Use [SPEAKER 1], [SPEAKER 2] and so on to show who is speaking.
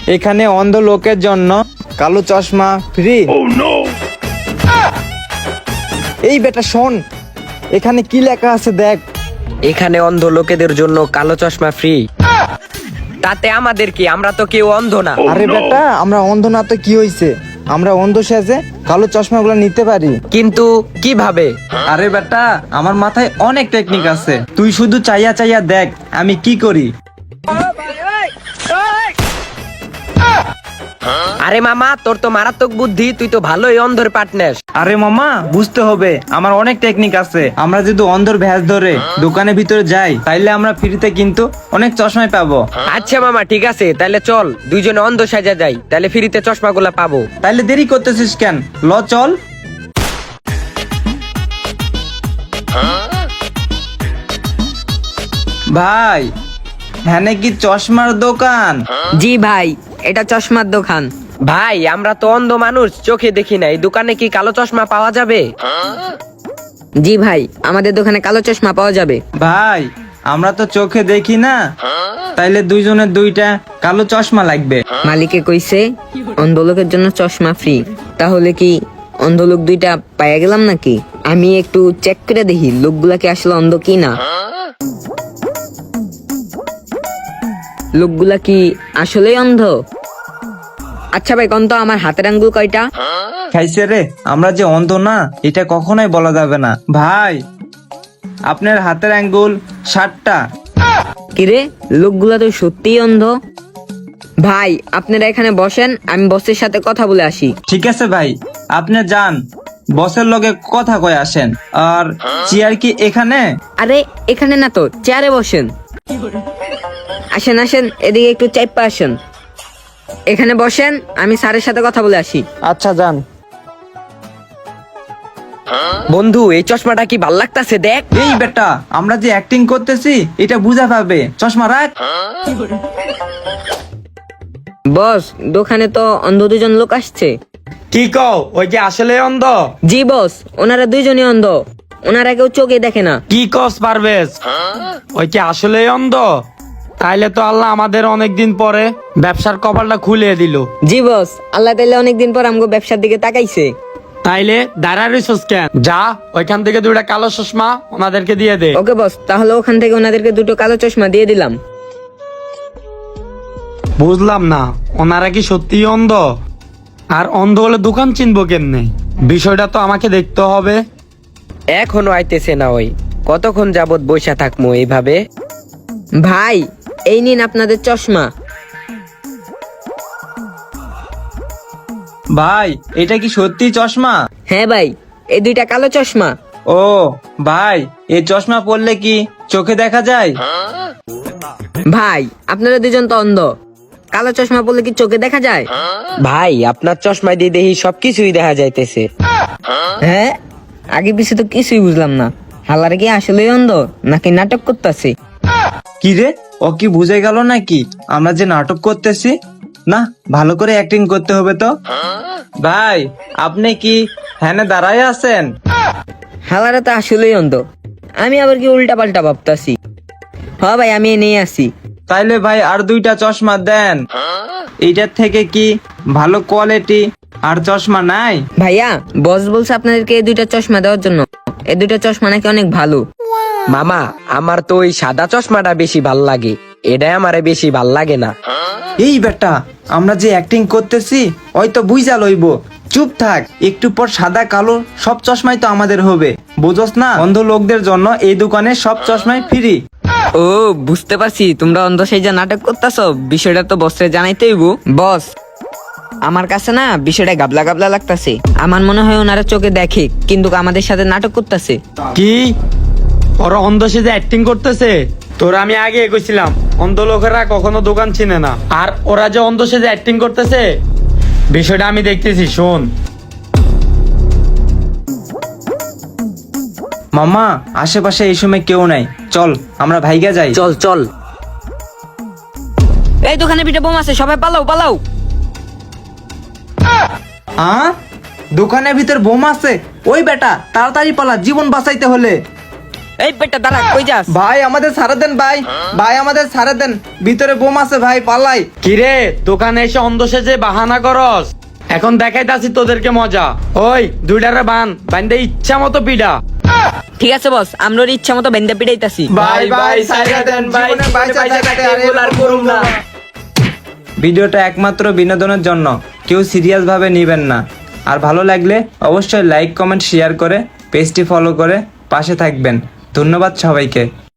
[SPEAKER 1] এখানে অন্ধ লোকের জন্য কালো চশমা ফ্রি। এই বেটা শোন, এখানে কি লেখা আছে দেখ।
[SPEAKER 2] এখানে অন্ধ লোকেদের জন্য কালো চশমা ফ্রি। তাতে আমাদের কি? আমরা তো কেউ অন্ধ না।
[SPEAKER 1] আরে বেটা, আমরা অন্ধ না তো কি হইছে, আমরা অন্ধ সেজে কালো চশমাগুলো নিতে পারি।
[SPEAKER 2] কিন্তু কিভাবে?
[SPEAKER 1] আরে বেটা, আমার মাথায় অনেক টেকনিক আছে, তুই শুধু চাইয়া চাইয়া দেখ আমি কি করি।
[SPEAKER 2] আরে মামা, তোর তো মারাত্মক বুদ্ধি, তুই তো ভালোই অন্ধর পার্টনার।
[SPEAKER 1] আরে মামা, বুঝতে হবে আমার অনেক টেকনিক আছে। আমরা যদি অন্ধর ভ্যাস ধরে দোকানের ভিতরে যাই তাইলে আমরা ফ্রিতে কিন্তু অনেক চশমাই পাবো।
[SPEAKER 2] আচ্ছা মামা, ঠিক আছে, তাহলে চল দুইজনে অন্ধ সাজা যাই, তাহলে ফ্রিতে চশমাগুলা পাবো।
[SPEAKER 1] তাইলে দেরি করতেছিস কেন, ল চল। ভাই, হ্যাঁ কি চশমার দোকান?
[SPEAKER 3] জি ভাই, এটা চশমার দোকান।
[SPEAKER 2] ভাই, আমরা তো অন্ধ মানুষ, চোখে দেখি না, এই দোকানে কি কালো চশমা পাওয়া যাবে?
[SPEAKER 3] জি ভাই, আমাদের দোকানে কালো চশমা পাওয়া যাবে।
[SPEAKER 1] ভাই, আমরা তো চোখে দেখি না, তাইলে দুইজনের দুইটা কালো চশমা লাগবে।
[SPEAKER 3] মালিকে কইছে অন্ধ লোকের জন্য চশমা ফ্রি, তাহলে কি অন্ধ লোক দুইটা পাইয়া গেলাম নাকি? আমি একটু চেক করে দেখি লোকগুলা কি আসলে অন্ধ কি না। লোকগুলা কি আসলেই অন্ধ? আচ্ছা ভাই, কোন তো আমার হাতের আঙ্গুল কয়টা?
[SPEAKER 1] খাইছে রে, আমরা যে অন্ধ না এটা কখনোই বলা যাবে না। ভাই, আপনার হাতের আঙ্গুল 7টা।
[SPEAKER 3] কিরে, লোকগুলা তো সত্যিই অন্ধ। ভাই, আপনারা এখানে বসেন, আমি বসের সাথে কথা বলে আসি।
[SPEAKER 1] ঠিক আছে ভাই, আপনি যান, বসের লগে কথা কয়ে আসেন। আর চেয়ার কি এখানে?
[SPEAKER 3] আরে এখানে না তো, চেয়ারে বসেন। আসেন আসেন, এদিকে একটু চাইপা আসেন, এখানে বসেন, আমি স্যারের সাথে কথা বলে আসি।
[SPEAKER 1] আচ্ছা যান।
[SPEAKER 2] বন্ধু, এই চশমাটা কি ভাল লাগতাছে দেখ।
[SPEAKER 1] এই বেটা, আমরা যে অ্যাক্টিং করতেছি এটা বুঝা পাবে, চশমা রাখ।
[SPEAKER 3] বস, দোকানে তো অন্ধ দুজন লোক আসছে।
[SPEAKER 4] কি কও, ওই যে আসলে অন্ধ?
[SPEAKER 3] জি বস, ওনারা দুইজনই অন্ধ, ওনারা কেউ চোখে দেখে না।
[SPEAKER 4] কি কস পারভেজ, ওই কি আসলে অন্ধ? তাইলে তো আল্লাহ আমাদের অনেকদিন পরে ব্যবসার কপালটা খুলে দিল।
[SPEAKER 3] জি বস, আল্লাহ তাইলে অনেকদিন পর আমগো ব্যবসার দিকে তাকাইছে।
[SPEAKER 4] তাইলে দাঁড়ায় রইছস কেন? যা, ওইখান থেকে দুইটা কালো চশমা ওনাদেরকে দিয়ে দে।
[SPEAKER 3] ওকে বস, তাহলে ওখান থেকে ওনাদেরকে দুটো কালো চশমা দিয়ে দিলাম।
[SPEAKER 4] বুঝলাম না, ওনারা কি সত্যি অন্ধ? আর অন্ধ হলে দোকান চিনবো কেমনে? বিষয়টা তো আমাকে দেখতে হবে।
[SPEAKER 2] এখনো আইতেছে না, ওই কতক্ষণ যাবত বসে থাকবো এইভাবে?
[SPEAKER 3] ভাই, এই নিন আপনাদের চশমা।
[SPEAKER 1] ভাই, এটা কি সত্যি চশমা?
[SPEAKER 3] হ্যাঁ ভাই, এই দুইটা কালো চশমা।
[SPEAKER 1] ও ভাই, এই চশমা পরলে কি চোখে দেখা যায়?
[SPEAKER 3] ভাই, আপনারা দুজন তো অন্ধ, কালো চশমা পরলে কি চোখে দেখা যায়?
[SPEAKER 2] ভাই, আপনার চশমা দিয়ে দেখি সবকিছুই দেখা যাইতেছে।
[SPEAKER 3] হ্যাঁ, আগে পিছে তো কিছুই বুঝলাম না, হালার কি আসলেই অন্ধ নাকি নাটক করতেছে?
[SPEAKER 1] কি রে, ও কি বুঝে গেল নাকি আমরা যে নাটক করতেছি? না, ভালো করে অ্যাক্টিং করতে হবে তো। ভাই, আপনি কি হ্যাঁ দাঁড়ায় আছেন?
[SPEAKER 3] হালারা তো আসলেই অন্ধ, আমি আবার কি উল্টা পাল্টা ভাবতাছি। হ্যাঁ ভাই, আমি নিয়ে আসি।
[SPEAKER 1] তাইলে ভাই আর দুইটা চশমা দেন। এইটার থেকে কি ভালো কোয়ালিটি আর চশমা নাই?
[SPEAKER 3] ভাইয়া, বস বলছে আপনাদেরকে এই দুইটা চশমা দেওয়ার জন্য, এই দুইটা চশমা নাকি অনেক ভালো।
[SPEAKER 2] মামা, আমার তো ওই সাদা চশমাটা বেশি ভাল লাগে, এটাই আমারে বেশি ভাল লাগে না।
[SPEAKER 1] এই বেটা, আমরা যে অ্যাক্টিং করতেছি ওই তো বুঝা লইব। চুপ থাক, একটু পর সাদা কালো সব চশমাই তো আমাদের হবে, বুঝোস না? অন্ধ লোকদের জন্য এই দোকানে সব চশমাই ফ্রি।
[SPEAKER 3] ও, বুঝতে পারছি, তোমরা অন্ধ সেই যে নাটক করতেছো, বিষয়টা তো বসরে জানাইতে হইব। বস, আমার কাছে না বিষয়টা গাবলা গাবলা লাগতাছে। আমার মনে হয় ওনারা চোখে দেখে কিন্তু আমাদের সাথে নাটক করতেছে।
[SPEAKER 4] কি, ওরা অন্ধ সেজে অ্যাক্টিং করতেছে? তোরা আমি আগে কইছিলাম অন্ধ লোকেরা কখনো দোকান চিনে না, আর ওরা যে অন্ধ সেজে অ্যাক্টিং করতেছে বিষয়টা আমি দেখতেছি। শোন
[SPEAKER 1] মামা, আশেপাশে এই সময় কেউ নাই, চল আমরা ভাইগা যাই।
[SPEAKER 2] চল চল।
[SPEAKER 3] এই দোকানে পিঠে বোম আছে, সবাই পালাও পালাও।
[SPEAKER 1] দোকানের ভিতর বোম আছে? ওই বেটা, তাড়াতাড়ি পালা, জীবন বাঁচাইতে হলে।
[SPEAKER 3] এই বেটা দাঁড়া, কই যাস?
[SPEAKER 1] ভাই আমাদের ছাড়া দেন ভাই, ভাই আমাদের ছাড়া দেন, ভিতরে বোম আছে ভাই, পালাই।
[SPEAKER 4] কিরে দোকানে এসে অন্ধ সেজে বাহানা করস? এখন দেখাইতাছি তোদেরকে মজা। ওই দুইটারে বান্ধে ইচ্ছা মতো পিডা।
[SPEAKER 3] ঠিক আছে বস, আমরা ওর ইচ্ছা মতো বেন্দা পিটাইতাছি।
[SPEAKER 1] ভাই ভাই ছাড়া দেন ভাই, জীবনে বাইচা থাকতে আর এগুলো আর করুম না। ভিডিওটা একমাত্র বিনোদনের জন্য, কেউ সিরিয়াস ভাবে নেবেন না। আর ভালো লাগলে অবশ্যই লাইক কমেন্ট শেয়ার করে পেজটি ফলো করে পাশে থাকবেন। ধন্যবাদ সবাইকে।